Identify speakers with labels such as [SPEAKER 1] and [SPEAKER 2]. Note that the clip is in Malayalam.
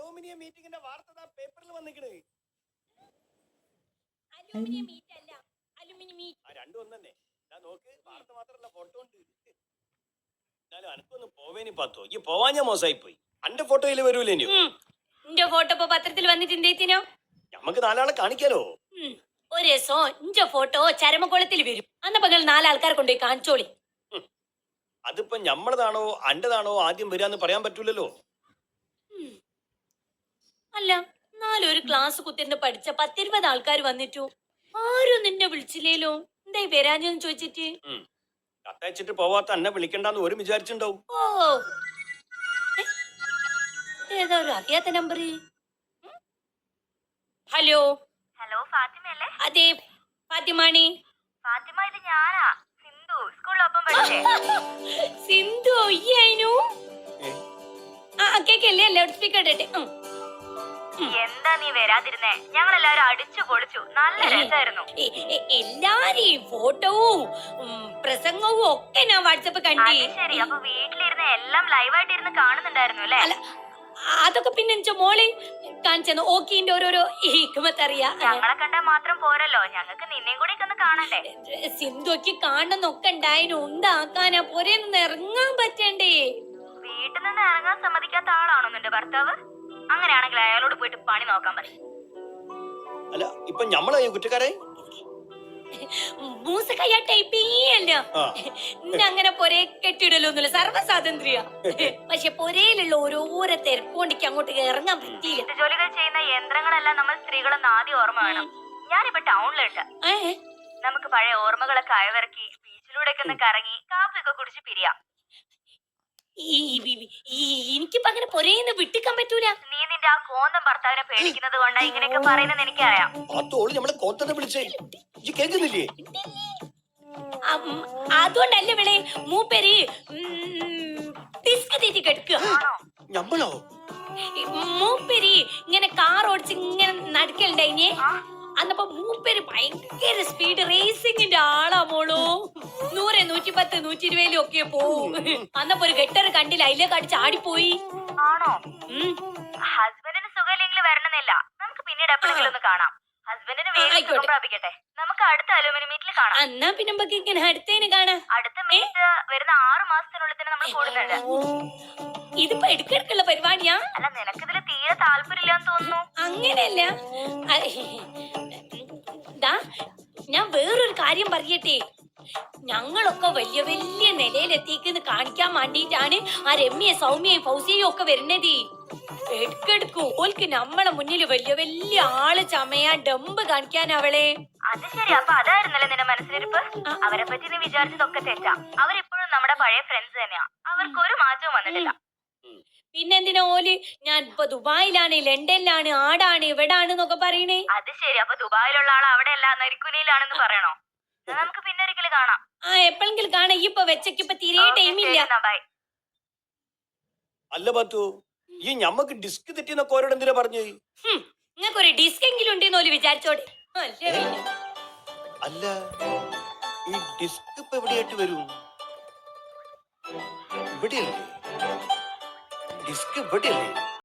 [SPEAKER 1] അലൂമിനിയം മീറ്റിംഗിന്റെ വാർത്ത പേപ്പറിൽ വന്നിക്കണ്.
[SPEAKER 2] അലൂമിനിയം മീറ്റ് അല്ല, അലൂമിനിയം മീറ്റ്.
[SPEAKER 1] രണ്ടും ഒന്നെ. ഞാൻ നോക്ക്, വാർത്ത മാത്രല്ല ഫോട്ടോ ഉണ്ട്. എന്നാലും അനക്കൊന്ന് പോവേനി പാത്തോ. ഈ പോവാൻ ഞാൻ മോശമായി പോയി. അന്റെ ഫോട്ടോയിൽ വരൂലേനോ?
[SPEAKER 2] എന്റെ ഫോട്ടോ ഇപ്പൊ പത്രത്തിൽ വന്നിട്ടുണ്ടേത്തിനോ?
[SPEAKER 1] നമുക്ക് നാലാളെ കാണിക്കാലോ.
[SPEAKER 2] ഒരു രസം എന്റെ ഫോട്ടോ ചരമക്കോളത്തിൽ വരും. അന്നപ്പോ നിങ്ങൾ നാലാൾക്കാരെ കൊണ്ടുപോയി കാണിച്ചോളി.
[SPEAKER 1] അതിപ്പോ ഞമ്മളതാണോ അന്റേതാണോ ആദ്യം വരാന്ന് പറയാൻ പറ്റൂലല്ലോ.
[SPEAKER 2] അല്ല, നാലൊരു ക്ലാസ് കുത്തിരുന്ന് പഠിച്ച 10-20 ആൾക്കാർ വന്നിട്ടു ആരും നിന്നെ വിളിച്ചില്ലേലോ? എന്തായി വരാഞ്ഞെന്ന് ചോദിച്ചിട്ട്?
[SPEAKER 1] കത്തയച്ചിട്ട് പോവാത്ത എന്നെ വിളിക്കണ്ടെന്ന് ഒരു വിചാരിച്ചിണ്ടാവും.
[SPEAKER 2] ഓ, ഏതാ ഒരു അറിയാത്ത നമ്പർ? Hello
[SPEAKER 3] hello, ഫാത്തിമയല്ലേ?
[SPEAKER 2] അതെ, ഫാത്തിമാണി.
[SPEAKER 3] ഫാത്തിമ, ഇത് ഞാനാ, സിന്ധു. സ്കൂളിലൊപ്പം പഠിച്ചേ.
[SPEAKER 2] സിന്ധു അയ്യായിനു. കേക്കല്ലേ? ലൗഡ് സ്പീക്കർ ഇട്ടെ.
[SPEAKER 3] എന്താ നീ വരാതിരുന്നേ? ഞങ്ങളെല്ലാരും അടിച്ചു പൊളിച്ചു, നല്ല രസമായിരുന്നു.
[SPEAKER 2] എല്ലാരെയും ഫോട്ടോവും പ്രസംഗവും ഒക്കെ ഞാൻ വാട്സപ്പ് കണ്ടേ.
[SPEAKER 3] ശരി, അപ്പൊ വീട്ടിലിരുന്ന് എല്ലാം ലൈവായിട്ട് ഇരുന്ന് കാണുന്നുണ്ടായിരുന്നു അല്ലേ?
[SPEAKER 2] അതൊക്കെ പിന്നെ മോളെ കാണിച്ചു ഓക്കിന്റെ ഓരോരോ ഹിക്മത്തറിയാ.
[SPEAKER 3] ഞങ്ങളെ കണ്ടാ മാത്രം പോരല്ലോ, ഞങ്ങൾക്ക് നിന്നെയും കൂടി ഒന്ന് കാണണ്ടേ?
[SPEAKER 2] സിന്ധുക്ക് കാണുന്നൊക്കെ ഉണ്ടായിരുന്നു. ഉണ്ടാക്കാനാ പോരെന്ന് ഇറങ്ങാൻ പറ്റണ്ടേ?
[SPEAKER 3] വീട്ടിൽ നിന്ന് ഇറങ്ങാൻ സമ്മതിക്കാത്ത ആളാണോ നിന്റെ ഭർത്താവ്? അങ്ങനെയാണെങ്കിൽ അയാളോട് പോയിട്ട് പണി നോക്കാൻ പറയും.
[SPEAKER 1] അല്ല, ഇപ്പൊ ഞമ്മളായോ കുറ്റക്കാരെ?
[SPEAKER 2] അങ്ങനെ പൊരേ കെട്ടിടലൊന്നുമില്ല, സർവ്വ സ്വാതന്ത്ര്യ. പക്ഷെ പൊരയിലുള്ള ഓരോരോ തിരക്കൊണ്ടിക്ക് അങ്ങോട്ട് ഇറങ്ങാൻ പറ്റിയില്ല.
[SPEAKER 3] ജോലികൾ ചെയ്യുന്ന യന്ത്രങ്ങളെല്ലാം നമ്മൾ സ്ത്രീകളൊന്ന് ആദ്യം ഓർമ്മ വേണം. ഞാനിപ്പോ ടൗണിലുണ്ട്. നമുക്ക് പഴയ ഓർമ്മകളൊക്കെ അയവിറക്കി ബീച്ചിലൂടെ ഒന്ന് കറങ്ങി കാപ്പിയൊക്കെ കുടിച്ച് പിരിയാം.
[SPEAKER 2] എനിക്കിപ്പോ അങ്ങനെ പൊരേന്ന് വിട്ടിക്കാൻ പറ്റൂല.
[SPEAKER 3] നീ നിന്റെ ആ കോന്തം ഭർത്താവിനെ പേടിക്കുന്നത് കൊണ്ടാ ഇങ്ങനെയൊക്കെ പറയുന്നത് എനിക്കറിയാം.
[SPEAKER 2] അതുകൊണ്ടല്ലേ വിളെ മൂപ്പര് ഡിസ്ക് തെറ്റി കിടക്കുക. മൂപ്പര് ഇങ്ങനെ കാർ ഓടിച്ച് ഇങ്ങനെ നടക്കലുണ്ടായിനെ. അന്നപ്പോ മൂപ്പര് ഭയങ്കര സ്പീഡ് റേസിംഗിന്റെ ആളാ മോളോ. 100, 110, 120 ഒക്കെ പോവും. അന്നപ്പോ ഒരു ഗട്ടർ കണ്ടില്ല, അതിലേക്ക് അടിച്ച് ആടിപ്പോയി.
[SPEAKER 3] ആണോ? ഹസ്ബൻഡിന് സുഖമില്ലെങ്കിൽ വരണമെന്നില്ല, നമുക്ക് പിന്നീട് എപ്പോഴെങ്കിലും ഒന്ന് കാണാം. ഹസ്ബൻഡിന് വേഗം പ്രാപിക്കട്ടെ. നമുക്ക് അടുത്ത അലൂമിനിയം മീറ്റിൽ കാണാം.
[SPEAKER 2] എന്നാ പിന്നെ നമുക്ക് ഇങ്ങനെ അടുത്തേന് കാണാം.
[SPEAKER 3] അടുത്ത മീറ്റ് വരുന്ന 6 മാസത്തിനുള്ളിൽ തന്നെ നമ്മൾ കൂടുന്നുണ്ട്.
[SPEAKER 2] ഇതിപ്പോ എടുക്കെടുക്കുള്ള പരിപാടിയാ?
[SPEAKER 3] അല്ല, നിനക്കിതില് തീരെ താല്പര്യമില്ലാന്ന് തോന്നുന്നു.
[SPEAKER 2] അങ്ങനെയല്ല, ഞാൻ വേറൊരു കാര്യം പറയട്ടെ. ഞങ്ങളൊക്കെ വലിയ വലിയ നിലയിലെത്തിക്കുന്ന കാണിക്കാൻ വേണ്ടിട്ടാണ് ആ രമ്യ, സൗമ്യയും ഫൗസിയും ഒക്കെ വരുന്നത്. എടുക്കെടുക്കു ഓൽക്ക് നമ്മളെ മുന്നിൽ വലിയ വലിയ ആള് ചമയാൻ ഡമ്പ് കാണിക്കാൻ അവളെ.
[SPEAKER 3] അത് ശരി, അപ്പൊ അതായിരുന്നല്ലേ നിന്റെ മനസ്സിലിരിപ്പ്? അവരെ പറ്റി നീ വിചാരിച്ചതൊക്കെ തെറ്റാ. അവരിപ്പോഴും നമ്മുടെ പഴയ ഫ്രണ്ട്സ് തന്നെയാ. അവർക്ക് ഒരു മാറ്റവും വന്നിട്ടില്ല.
[SPEAKER 2] പിന്നെന്തിനാ ഓല് ഞാൻ ഇപ്പൊ ദുബായിലാണ്, ലണ്ടനിലാണ്, ആടാണ്, ഇവിടാണെന്നൊക്കെ പറയണേ?
[SPEAKER 3] അത് ശരി, അപ്പൊ ദുബായിലുള്ള ആൾ അവിടെ അല്ല നരിക്കുനിയിലാണെന്ന് പറയണോ? നമുക്ക് പിന്നെ ഒരിക്കലും കാണാം.
[SPEAKER 2] എപ്പോഴെങ്കിലും കാണാം. ഇപ്പൊ വെച്ചക്കിപ്പോ തീരെ ടൈമില്ല.
[SPEAKER 1] അല്ല പറ്റൂ, ഈ ഞമ്മക്ക് ഡിസ്ക് തെറ്റിന്നൊക്കെ ഓരോട് എന്തിനാ പറഞ്ഞു?
[SPEAKER 2] നിങ്ങൾക്ക് ഒരു ഡിസ്ക് എങ്കിലും ഉണ്ടെന്ന് ഓല് വിചാരിച്ചോടെ.
[SPEAKER 1] അല്ല, ഈ ഡിസ്ക് ഇപ്പൊ എവിടെയായിട്ട് വരും? ഇവിടെയല്ലേ ഡിസ്ക്? ഇവിടെയല്ലേ?